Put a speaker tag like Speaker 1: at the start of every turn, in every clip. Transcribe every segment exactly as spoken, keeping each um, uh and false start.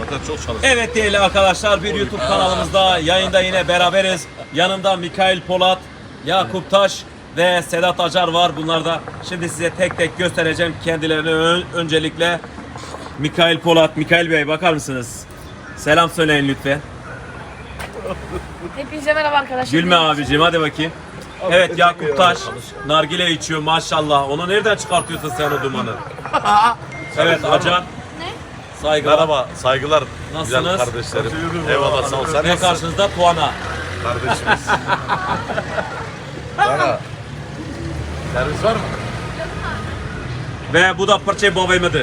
Speaker 1: Zaten çok çalışıyor.
Speaker 2: Evet değerli arkadaşlar, bir YouTube kanalımızda yayında yine beraberiz. Yanımda Mikail Polat, Yakup Taş ve Sedat Acar var. Bunlar da şimdi size tek tek göstereceğim kendilerini. Ön- öncelikle Mikail Polat, Mikail Bey bakar mısınız? Selam söyleyin lütfen.
Speaker 3: Hepinize merhaba arkadaşlar.
Speaker 2: Gülme abicim, hadi bakayım. Evet, Yakup Taş nargile içiyor maşallah. Onu nereden çıkartıyorsun sen o dumanı? Evet Acar.
Speaker 3: Ne?
Speaker 2: Saygılar.
Speaker 1: Merhaba, saygılar.
Speaker 2: Nasılsınız?
Speaker 1: Güzel kardeşlerim. Eyvallah, sağ ol. Sen
Speaker 2: Ve
Speaker 1: nasılsın?
Speaker 2: karşınızda Tuana.
Speaker 1: Kardeşimiz. Bana. Servis var mı?
Speaker 2: Ve bu da Pırçe babamıdır.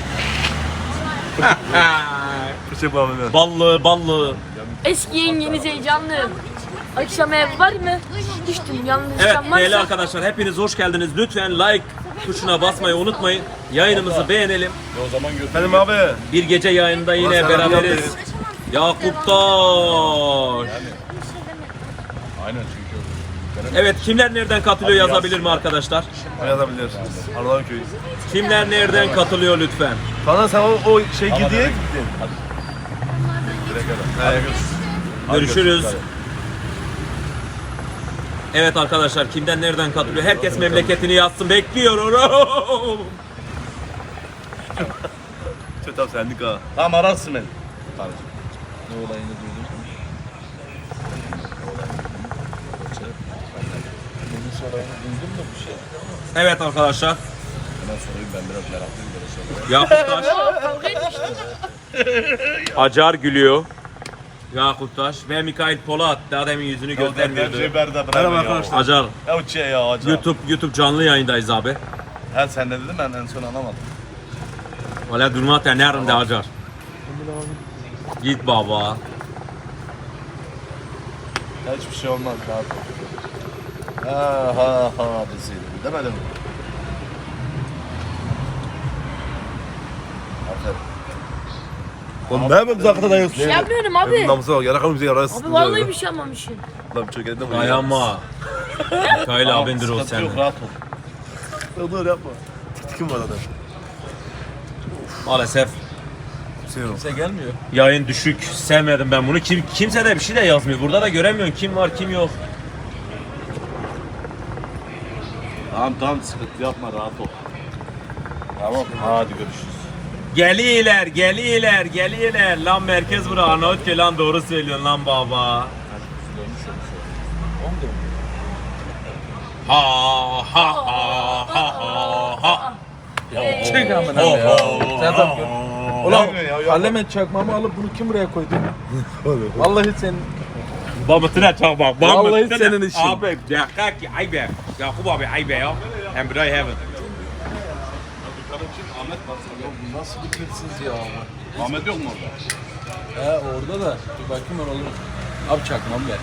Speaker 1: Fırça babamı.
Speaker 2: Ballı ballı.
Speaker 3: Eski yengeniz heyecanlı. Akşam ev var mı? Düştüm yalnız
Speaker 2: Evet
Speaker 3: akşam
Speaker 2: değerli
Speaker 3: varsa.
Speaker 2: arkadaşlar, hepiniz hoş geldiniz. Lütfen like tuşuna basmayı unutmayın. Yayınımızı beğenelim.
Speaker 1: E o zaman götür.
Speaker 4: Benim abi.
Speaker 2: Bir gece yayında yine
Speaker 4: Ulan
Speaker 2: beraberiz. Yakup Taş.
Speaker 1: Aynen çünkü.
Speaker 2: Evet, kimler nereden katılıyor yazabilir mi arkadaşlar?
Speaker 4: Yazabilir. Ardahan köyü.
Speaker 2: Kimler nereden katılıyor lütfen?
Speaker 4: Sana sen o, o şey gidiye
Speaker 1: direkt-
Speaker 4: gittin.
Speaker 1: Direkt öyle.
Speaker 4: Evet.
Speaker 2: Görüşürüz. Evet arkadaşlar, kimden nereden katılıyor? Herkes memleketini yazsın, bekliyorum.
Speaker 4: Çok abi sendik ha.
Speaker 1: Tamam, ararsın beni.
Speaker 4: Ne olayını duydum. Bunun olayını duydum da bir şey.
Speaker 2: Evet arkadaşlar,
Speaker 1: Hemen sorayım, ben biraz meraklıyım böyle şeylere.
Speaker 2: Yakup Taş,
Speaker 3: Kavga etmiştik.
Speaker 2: Acar gülüyor. Yakup Taş ve Mikail Polat daha demin yüzünü
Speaker 1: Berda,
Speaker 2: göstermiyordu.
Speaker 1: Berda,
Speaker 4: Merhaba arkadaşlar.
Speaker 2: Acar,
Speaker 1: Ya uçuyor ya acaba.
Speaker 2: YouTube YouTube canlı yayındayız abi.
Speaker 1: Her sen ne dedin, ben en son anlamadım.
Speaker 2: Valla durma tenerim de Acar. Git baba.
Speaker 1: Ya hiçbir şey olmaz, rahat ol. Ha ha ha deseydim, demedim mi? Aferin.
Speaker 4: Oğlum ne yapayım zakata dayıyorsun?
Speaker 3: Bir şey yapmıyorum abi.
Speaker 4: Namusa bak yarakalım bize yarası.
Speaker 3: Abi vallahi bir şey yapmamışım.
Speaker 4: Lan çok elinde mi?
Speaker 2: Dayanma. Mikail abindir o
Speaker 1: Sıkıntı
Speaker 2: senin.
Speaker 1: yok, rahat ol.
Speaker 4: Dur yapma. Tikim var adam.
Speaker 2: Maalesef
Speaker 4: Şey yok.
Speaker 1: Kimse gelmiyor.
Speaker 2: yayın düşük. Sevmedim ben bunu. Kim kimse de bir şey de yazmıyor. Burada da göremiyorsun kim var kim yok.
Speaker 1: Tamam tamam, sıkıntı yapma, rahat ol. Tamam, hadi görüşürüz.
Speaker 2: Geliyorlar, geliyorlar, geliyorlar. Lan merkez bura Arnavutköy lan, doğru söylüyorsun lan baba. Ha ha ha ha ha ha.
Speaker 5: Çek amına
Speaker 2: Ho,
Speaker 5: ya.
Speaker 2: ho,
Speaker 5: Sen
Speaker 2: ho,
Speaker 5: tam gör.
Speaker 2: ho.
Speaker 5: Ulan
Speaker 1: Gelmiyor ya, yok.
Speaker 5: Parlament çakmamı alıp bunu kim buraya koydu? Vallahi sen
Speaker 2: Babasına çak bak.
Speaker 5: Vallahi
Speaker 2: babasına-
Speaker 5: senin işin.
Speaker 2: Abi dakika ki aybe. Yakup abi aybe ya. Hem burayı heaven.
Speaker 5: nasıl bir hırsız ya abi?
Speaker 1: Ahmet yok mu orada?
Speaker 5: He orada da. Dur bakayım ben olur. Abi çakmam ver.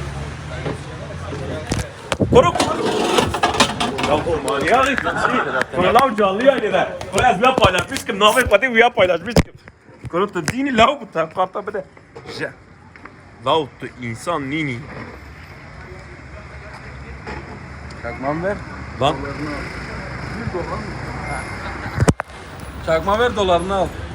Speaker 2: Koruk. Yakup abi ya. Bunu lav canlı yayınlar. Bunu ezme paylaşmışım. Namer pati uya paylaşmışım. Koruk da dini lav bu ta karta bede. Ja. Lav tu insan nini.
Speaker 5: Çakmam ver.
Speaker 2: Lan
Speaker 5: Çakma ver dolarını al.